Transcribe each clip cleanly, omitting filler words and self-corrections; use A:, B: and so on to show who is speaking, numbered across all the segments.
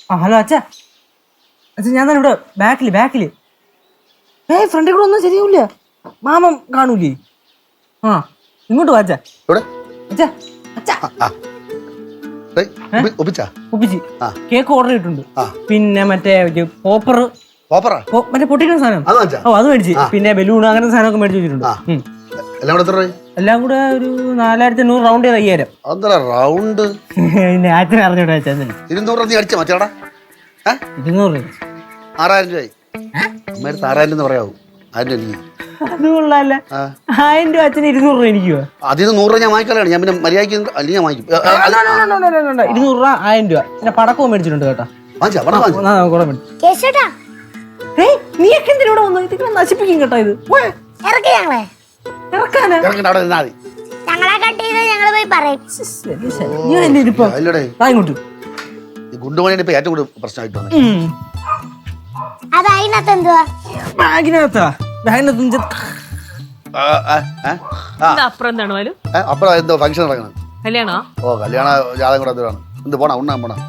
A: Hello അച്ഛാ. അച്ഛാ ഞാൻ തന്നെ ഇവിടെ ബാക്കില് ഫ്രണ്ടിൽ കൂടെ ഒന്നും ശരിയാവില്ല. മാമൻ കാണൂലേ? ആ ഇങ്ങോട്ട് വാ അച്ഛാ. അച്ഛാ അച്ഛാ ഒപ്പിച്ച് കേക്ക് ഓർഡർ ചെയ്തിട്ടുണ്ട്. പിന്നെ മറ്റേ പോപ്പർ മറ്റേ പൊട്ടിക്കുന്ന സാധനം അത് മേടിച്ച്, പിന്നെ ബലൂൺ അങ്ങനത്തെ സാധനമൊക്കെ മേടിച്ച് വെച്ചിട്ടുണ്ട്. എല്ലാം കൂടെ ഒരു 4500 റൗണ്ട് ചെയ്ത് 5000.
B: റൗണ്ട്
A: പിന്നെ അച്ഛനെ അറിഞ്ഞോട്ടെ അച്ഛൻ 200
B: 6000 പറയാവൂ.
A: അത് കൊള്ളാല്ല. 1000 രൂപ അച്ഛന് 200 രൂപ എനിക്കോ?
B: അതിന് 100 രൂപ ഞാൻ വാങ്ങിക്കാനാണ്. ഞാൻ പിന്നെ മര്യാദയ്ക്ക് അല്ലെങ്കിൽ ഞാൻ വാങ്ങിക്കും.
A: 200 രൂപ 1000 രൂപ. പിന്നെ പടക്കവും മേടിച്ചിട്ടുണ്ട് കേട്ടോ. നീയൊക്കെ എന്തിനൂടെ വന്നു? ഇതിങ്ങനെ നശിപ്പിക്കും കേട്ടോ. ഇത്
B: ഗുണ്ടുമണിയാണ് ഇപ്പൊ ഏറ്റവും കൂടുതൽ പ്രശ്നമായിട്ട് അപ്പുറം എന്തോ ഫംഗ്ഷൻ നടക്കണം. ഓ കല്യാണ ജാതകം കൂടെ എന്താണ്? എന്ത് പോണ ഉണ്ണാൻ പോണ?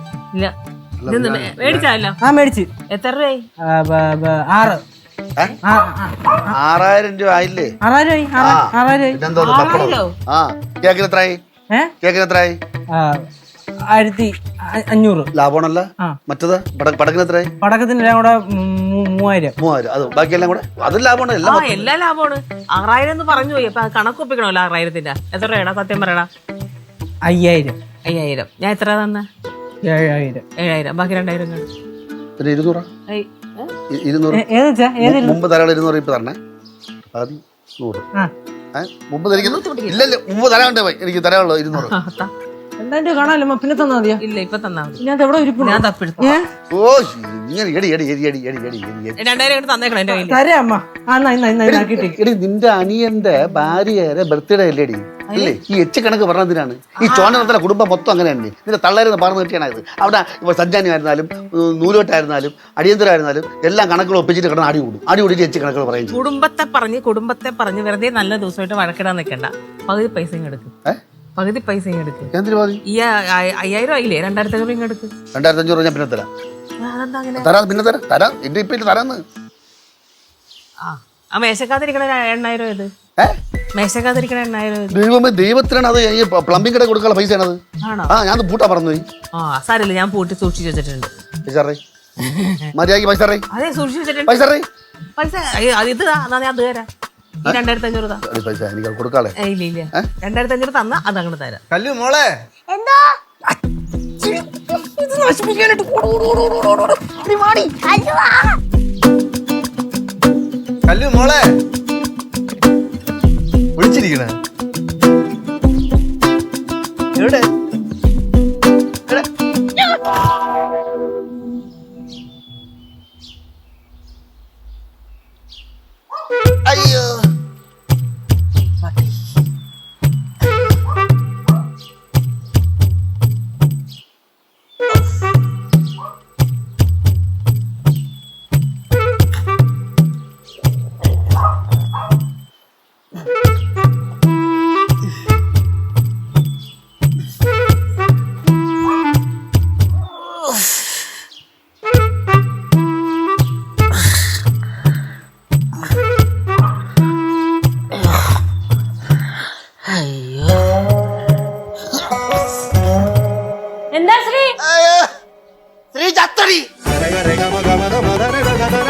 A: മേടിച്ച് എത്ര രൂപ?
B: 6000 രൂപ ആയില്ലേ?
A: 6000.
B: കേക്കിന് എത്രയായി?
A: 1500.
B: ലാഭമാണല്ലോ. മറ്റത് പടക്കത്തിന് എത്രയായി?
A: പടക്കത്തിന് എല്ലാം കൂടെ 3000.
B: അത് ബാക്കിയെല്ലാം കൂടെ അതും ലാഭമാണ്.
C: എല്ലാം ലാഭമാണ്. 6000 എന്ന് പറഞ്ഞു പോയി. അപ്പൊ കണക്ക് ഒപ്പിക്കണമല്ലോ. 6000-ന്റെ എത്ര രൂപയാടാ? സത്യം പറയടാ.
A: 5000.
C: ഞാൻ എത്ര തന്നെ? 7000. ബാക്കി 2000
B: മുമ്പ് തരാളെ 200 ഇപ്പൊ തരണേ. 100 മുമ്പ് ഇല്ലല്ലോ. മുമ്പ് തരാണ്ട് എനിക്ക് തരാനുള്ളൂ 200.
A: എന്തായാലും കാണാമല്ലോ. പിന്നെ തന്നാ മതിയോ?
C: ഇല്ല ഇപ്പൊ തന്നാ മതി.
A: ഞാൻ എവിടെ
C: ഞാൻ തപ്പെടുത്തു.
B: ഓ ഇങ്ങനെ
C: 2000 തന്നേക്കണം എന്റെ കയ്യിൽ.
A: തരാം അമ്മ.
B: നിന്റെ അനിയന്റെ ഭാര്യയുടെ ബർത്ത്ഡേ അല്ലേടി? അല്ലേ ഈ എച്ച് കണക്ക് പറഞ്ഞതിനാണ്. ഈ ചോനത്തിലെ കുടുംബം മൊത്തം അങ്ങനെ തന്നെ. ഇതിന്റെ തള്ളേരെന്ന് പറഞ്ഞു കിട്ടിയാണത്. അവിടെ ഇപ്പൊ സഞ്ചാനി ആയിരുന്നാലും നൂലോട്ടായിരുന്നാലും അടിയന്തരമായിരുന്നാലും എല്ലാം കണക്കുകൾ ഒപ്പിച്ചിട്ട് കിടന്ന് അടി കൂടിയിട്ട് എച്ച് കണക്കുകൾ പറയും.
C: കുടുംബത്തെ പറഞ്ഞ് വെറുതെ നല്ല ദിവസമായിട്ട് വഴക്കിടാൻ നിൽക്കണ്ട. പകുതി പൈസ എടുക്കും. പകുതി പൈസ എടുക്കും. ഈ 5000 ആയില്ലേ? 2500 എടുക്ക്.
B: 2500 ഞാൻ പിന്നെ തരാം. പിന്നെ തരാം. എന്റെ ഇപ്പൊ തരാന്ന്.
C: ആ മേശക്കാതിരിക്കണ 8000 ഇത്. മേശക്കാതിരിക്കണ 8000.
B: ദൈവമേ ദൈവത്തിനാണ് അത്. ഈ പ്ലംബിംഗ് കട കൊടുക്കാനുള്ള പൈസയാണത്. ഞാൻ പൂട്ടാ പറഞ്ഞു.
C: സാരമില്ല, ഞാൻ പൂട്ടി സൂക്ഷിച്ചു വെച്ചിട്ടുണ്ട്.
B: മര്യാദക്ക് പൈസ
C: അതെ സൂക്ഷിച്ചു വെച്ചിട്ടുണ്ട്. പൈസ ഇത് അത് തരാം. 2500
B: പൈസ എനിക്ക് കൊടുക്കാളെ.
C: ഇല്ല 2500 തന്നാ അത് അങ്ങോട്ട് തരാം.
D: കല്ലു മോളെ കല്ലു മോളെ വിളിച്ചിരിക്കണ എവിടെ?
B: അയ്യോ
C: എന്താ ശ്രീ?
B: ശ്രീ ചത്തടി.